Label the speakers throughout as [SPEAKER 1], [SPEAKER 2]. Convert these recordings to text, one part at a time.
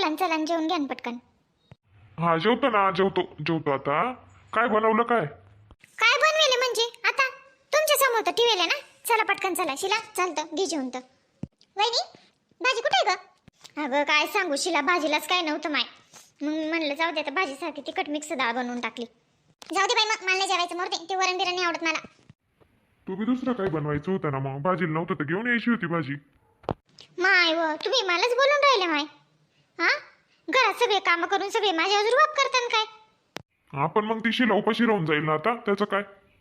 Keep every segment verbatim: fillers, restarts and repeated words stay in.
[SPEAKER 1] ना चला आणि जेवून घ्या ना पटकन.
[SPEAKER 2] हा जेवतो ना, जेवतो जेवतो आता. काय बनवलं काय?
[SPEAKER 1] काय बनवेले म्हणजे आता तुमच्या समोर तर ठेवले ना. चला पटकन चला. शिला चालतं घे जेवून तर. वहिनी भाजी कुठे आहे ग? अगं काय सांगू शिला, भाजीलाच काय नव्हतं माय. मग मी म्हणलं जाऊ दे आता भाजीसारखी तिखट मिक्स डाळ बनवून टाकली. जाऊ दे बाई मग मला नाही जेवायचं मोरते. ते वरण बिरण नाही आवडत मला.
[SPEAKER 2] तू बी दुसरं काही बनवायचं होतं ना, मग भाजीला नव्हतं तर घेऊन यायची होती भाजी.
[SPEAKER 1] माय व तुम्ही मलाच बोलून राहिले माय. हा घरात सगळे काम करून सगळे माझ्यावर रुबाब करतान काय?
[SPEAKER 2] आपण मग ती शिला उपाशी राहून जाईल ना आता, त्याचं काय?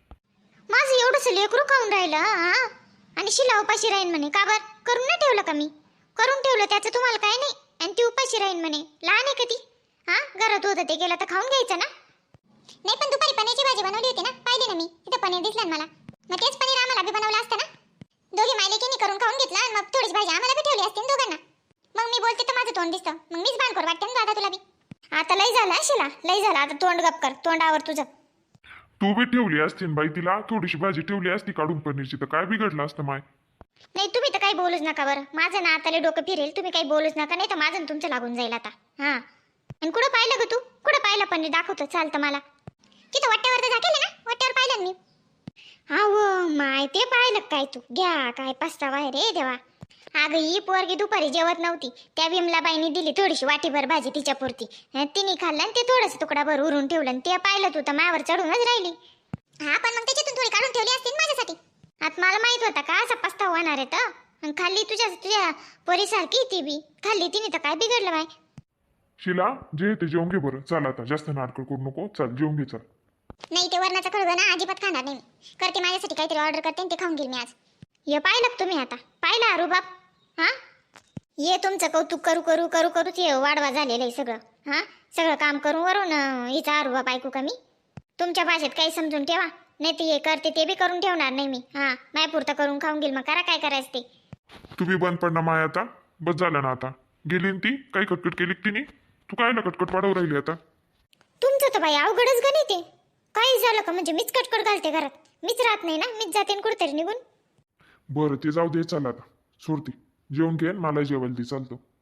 [SPEAKER 1] माझं एवढंसं लेकरू खाऊन राहिलं हा आणि शिला उपाशी राहीन म्हणे. का बर करून नाही ठेवलं का मी? करून ठेवलं त्याचं तुम्हाला काय नाही. आणि ती उपाशी राहीन म्हणे. लहान आहे का ती? हा घरात होतं ते गेलं तर खाऊन घ्यायचं ना. नाही पण दुपारी पनीरची भाजी बनवली होती ना, पाहिली ना मी. तिथं पनीर दिसलं मला. मग तेच पनीर आम्हाला बी बनवलं असतं ना. दोघी मायलेकीने करून खाऊन घेतलं आणि मग थोडीच भाजी आम्हाला बी ठेवली असती ना दोघांना. मग मी बोलते तर माझं तोंड दिसतं. मग मीच बाणखोर वाटते ना दादा तुला बी. आता लय झालं हा शिला, लय झालं. आता तोंड गप कर, तोंडावर तुझं.
[SPEAKER 2] तू बी ठेवली असती ना बाई, तिला थोडीशी भाजी ठेवली असती काढून पनीरची तर काय बिघडलं असतं माय.
[SPEAKER 1] नाही तुम्ही तर काही बोलूच नका बरं. माझं ना आता लय डोकं फिरेल. तुम्ही काही बोलूच नका, नाही तर माझं आणि तुमचं लागून जाईल आता. हा आणि कुठं पाहिलं ग तू? कुठं पाहिलं पनीर? दाखवतो चालतं मला. तिथं वाट्यावर तर झाकेलं ना, वाट्यावर पाहिलं ना मी. हा व माय ते पाहिलं काय तू? घ्या काय पस्तावा आहे रे देवा. अगं ही पोरगी दुपारी जेवत नव्हती. त्या विमलाबाईनी दिली थोडीशी वाटीभर भाजी तिच्यापुरती. तिने खाल्लं आणि ते थोडंसं तुकडाभर उरून ठेवलं आणि ते पाहिलं तू तर मायावर चढूनच राहिली. हा पण मग त्याच्यातून थोडी काढून ठेवली असती माझ्यासाठी. आता मला माहित होता का असा पस्तावा होणार आहे तर. आणि खाल्ली तुझ्या तुझ्या पोरीसारखी ती बी खाल्ली तिने तर काय बिघडलं बाय.
[SPEAKER 2] शिला जे ते जेवून घे बरं. चल आता जास्त नाटकं करू नको. चल जेवून घे चल.
[SPEAKER 1] नाही ते वरणाचं खळगं ना अजिबात खाणार नाही मी. करते माझ्यासाठी काहीतरी ऑर्डर करते आणि ते खाऊन घेईल मी आज. हे पाहिलं का तुम्ही आता? पाहिलं अरू बाप? हा ये तुमचं कौतुक करू करू करू करूच हे वाढवा झालेलं आहे सगळं. हा सगळं काम करून वरून हिचा अरू बाप ऐकू का मी? तुमच्या भाषेत काही समजून ठेवा. नाही ते हे करते ते बी करून ठेवणार नाही मी. हा मायपुरता करून खाऊन घेईल. मग करा काय करायचं ते.
[SPEAKER 2] तू बी बंद पड ना माय आता. बस झालं ना आता. गेली ना ती, काही कटकट केली का तिने? तू काय ना कटकट वाढवू राहिली आता?
[SPEAKER 1] तुमचं तर बाई अवघडच गणित आहे. काही झालं का म्हणजे मीच कटकट घालते घरात. मीच राहत नाही ना, मीच जाते कुठेतरी निघून.
[SPEAKER 2] बरं ते जाऊ दे. चल आता सोडती. जेवून घे मला जेवायला दे चालतो.